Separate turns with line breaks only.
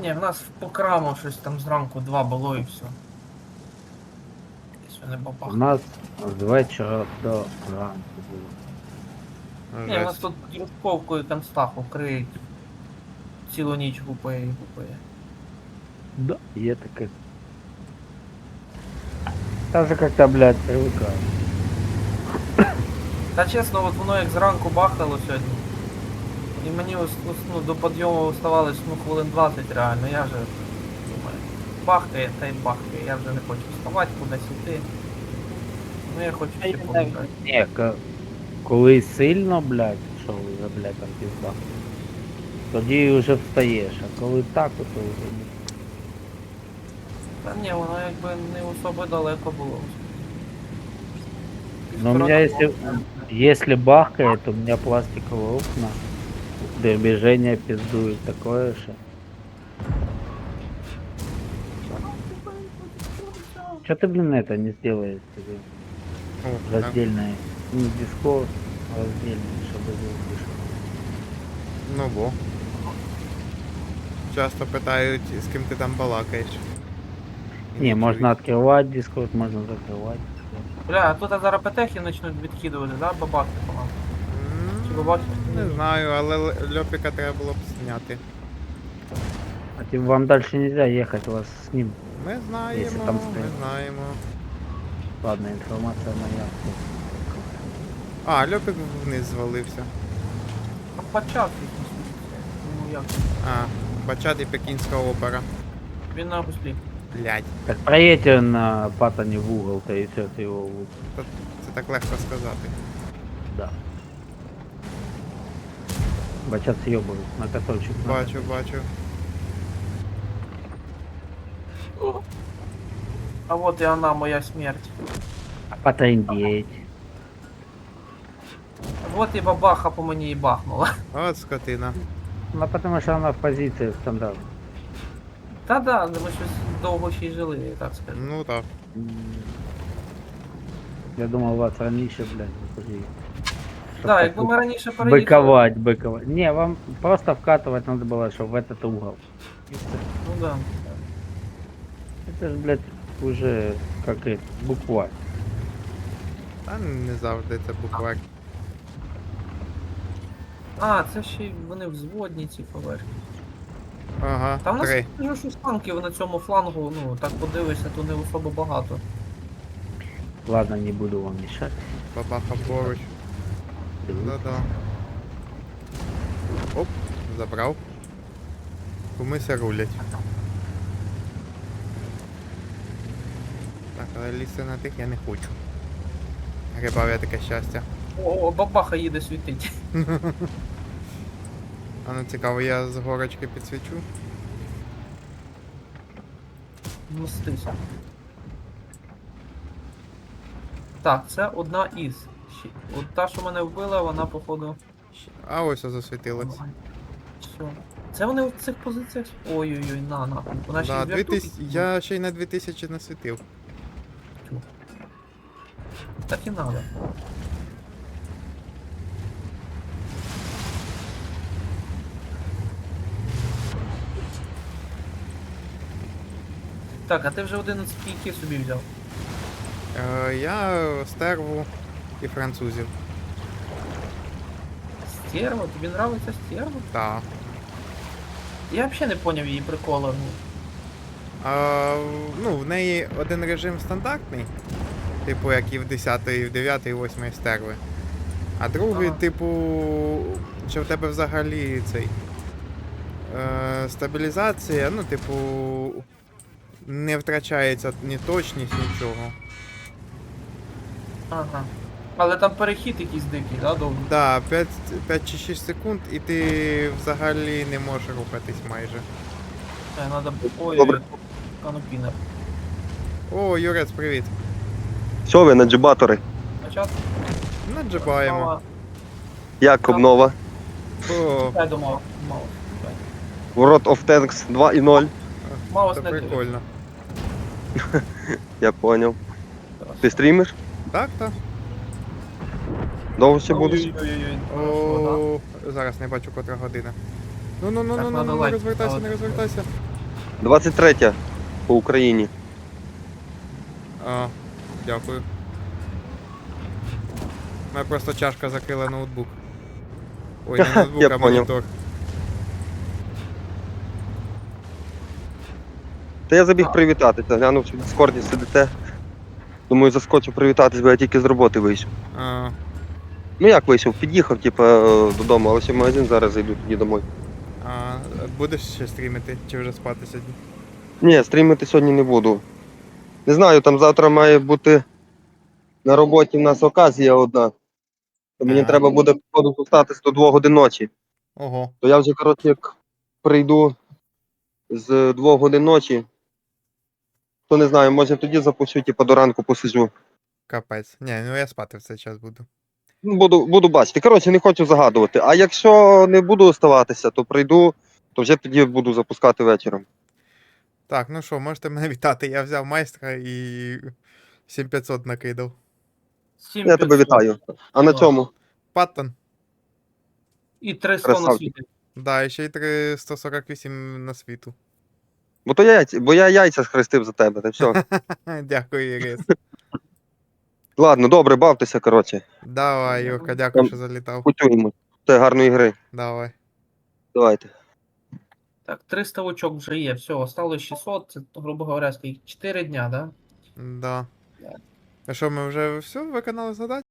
Ні, в нас по краму щось там зранку 2 було і все. Що не
У
бабах.
нас з вечора до ранку було.
Ні, у нас
Жесть.
тут дружковкою констаху криють. Цілу ніч гупає і гупає.
Да, є таке. Та вже як-то, блядь, привикаю.
Та чесно, от воно як зранку бахало сьогодні. І мені ну, до підйому оставалось хвилин 20 реально, я вже думаю, бахкає та й бахкає, я вже не хочу вставати, кудись йти. Ну я хочу ще погуляти.
Ні, коли сильно, блядь, що вже, блядь, там пізда, тоді вже встаєш, а коли так, то вже ні.
Та ні, воно якби не особо далеко було.
Но у меня если бахкает, то у меня пластиковые окна, движение пиздует такое же. Что ты, блин, это не сделаешь себе
О, так.
раздельное? Не диско, а раздельное, чтобы звук вышел.
Ну бо. Часто питають, з ким ти там балакаєш. І
Не, можно
чують.
открывать дискорд, можно закрывать.
Бля, а тут зараз петехи почнуть відкидувати, да, бабахи по нам? Чи бабахи?
Не знаю, але Льопіка треба було б зняти.
А тем вам дальше нельзя ехать, вас с ним.
Ми знаємо,
Якщо там
ми
стоїть.
знаємо.
Ладно, информация моя.
А, Льопік вниз звалився.
Там почав якийсь. Ну як?
А, Бачат і Пекінська опера.
Він на гуслі.
Блядь,
Так проедьте на патоне в угол-то и все, ты его
це так легко сказати.
да. Бачат съебывают на каточек.
Бачу, бачу.
А от і вона, моя смерть.
Потрындеть.
От і бабаха по мені і бахнула.
От скотина.
Ну потому что она в позиции стандарт.
Та-да, ми щось довго ще й жили, я так скажу.
Ну так.
Я думал, у вас раньше, блядь, подожди. Чтоб
Так,
так
якби ми раніше переїхали.
быковать. Не, вам просто вкатывать надо было, что в этот угол. И всё.
Ну да.
Это же, блядь, уже как это, буква.
Та не завжди це буквально.
А, це ще й вони взводні ці поверхні.
Ага,
Та в нас
3.
кажу, що флангів на цьому флангу, ну так подивишся, то не особо багато.
Ладно, не буду вам мешать.
Бабаха поруч.
Дивлюсь.
Да-да. Оп, забрав. Кумися рулять. Так, але лізти на тих я не хочу. Грибав я таке щастя.
О, бабаха їде світить.
А ну цікаво, я з горочки підсвічу.
Мстися. Так, це одна із. От та, що мене вбила, вона походу.
А ось засвітилось.
Все. Це вони в цих позиціях. Ой-ой-ой, на. Вона ще
Да,
й вертушки.
2000... Я ще й на 2000 насвітив.
Так і надо. Так, а ти вже 11 кійків собі взяв.
Я стерву і французів.
Стерва? Тобі нравиться стерва?
Так.
Я взагалі не поняв її прикола.
Ну, в неї один режим стандартний, типу як і в 10, і в 9, і 8 стерви. А другий,
Ага.
типу, що в тебе взагалі цей стабілізація, ну, типу, не втрачається ні точність, нічого.
Ага. Але там перехід якийсь дикий, да, довгий?
Да, 5 чи 6 секунд, і ти взагалі не можеш рухатись майже.
Надо... Ой,
Добре.
канопінер.
О, Юрець, привіт.
Що ви, наджибатори?
Початку?
Наджибаємо.
Як обнова?
О,
Я думав, мало.
World of Tanks 2.0.
Мало
це
снети.
прикольно.
Я поняв. Ти стрімиш?
Так, так.
Довго ще будеш?
Ой-ой-ой, хорошо,
О, зараз не бачу котра година. Ну,
Так, надо лайк
розвертайся,
ставити.
не розвертайся.
23 по Україні.
А, дякую. У мене просто чашка закрила ноутбук. Ой, не ноутбук,
Я
а
понял.
монітор.
Та я забіг
А.
привітатися, глянув, що в Дискорді сидите. Думаю, заскочу привітатись, бо я тільки з роботи вийшов.
А,
Ну як вийшов? Під'їхав, додому, але ще в магазин зараз зайду тоді домой.
а будеш ще стрімити, чи вже спати сьогодні?
Ні, стрімити сьогодні не буду. Не знаю, там завтра має бути на роботі в нас оказія одна. То мені
А.
треба буде походу зостатись до 2 годин ночі.
Ого,
То я вже, коротше, як прийду з 2 годин ночі, то не знаю, може тоді запущу, до ранку посиджу.
капець. Ні, ну я спати в цей час буду.
Ну, буду бачити. Коротше, не хочу загадувати. А якщо не буду оставатися, то прийду, то вже тоді буду запускати вечором.
Так, ну що, можете мене вітати. Я взяв майстра і 7500 накидав.
Я тебе
7500.
вітаю. А на
Так.
цьому?
Паттон.
І 300 на
Красавчик.
світі.
Да, і ще й 148 на світу.
Бо я яйця схрестив за тебе, та все.
Дякую, Ірис.
Ладно, добре, бавтеся, коротше.
Давай, Юрка, дякую, що залітав.
Почуємо. Це гарної гри.
Давай.
Давайте.
Так, 300 очок вже є. Все, осталось 600. Це, грубо говоря, скільки? 4 дня, да?
Да. А що, ми вже все виконали задачу?